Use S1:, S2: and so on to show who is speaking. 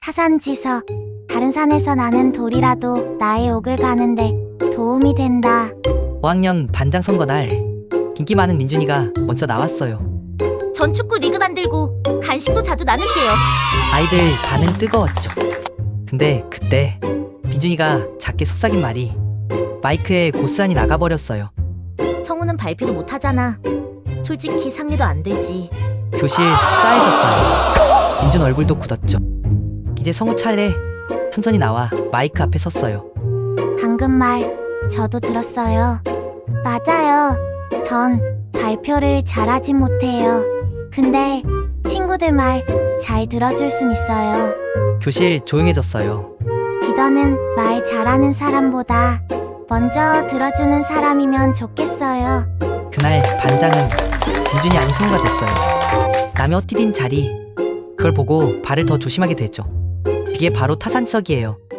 S1: 타산지서. 다른 산에서 나는 돌이라도 나의 옥을 가는데 도움이 된다.
S2: 5학년 반장 선거 날 인기 많은 민준이가 먼저 나왔어요.
S3: 전 축구 리그 만들고 간식도 자주 나눌게요.
S2: 아이들 반응 뜨거웠죠. 근데 그때 민준이가 작게 속삭인 말이 마이크에 고스란히 나가버렸어요.
S3: 청우는 발표도 못하잖아. 솔직히 상의도 안 되지.
S2: 교실 싸해졌어요. 민준 얼굴도 굳었죠. 이제 성우 차례. 천천히 나와 마이크 앞에 섰어요.
S1: 방금 말 저도 들었어요. 맞아요. 전 발표를 잘하진 못해요. 근데 친구들 말 잘 들어줄 순 있어요.
S2: 교실 조용해졌어요.
S1: 리더는 말 잘하는 사람보다 먼저 들어주는 사람이면 좋겠어요.
S2: 그날 반장은 민준이 아닌 성우가 됐어요. 남의 헛디딘 자리, 그걸 보고 발을 더 조심하게 됐죠. 이게 바로 타산지석이에요.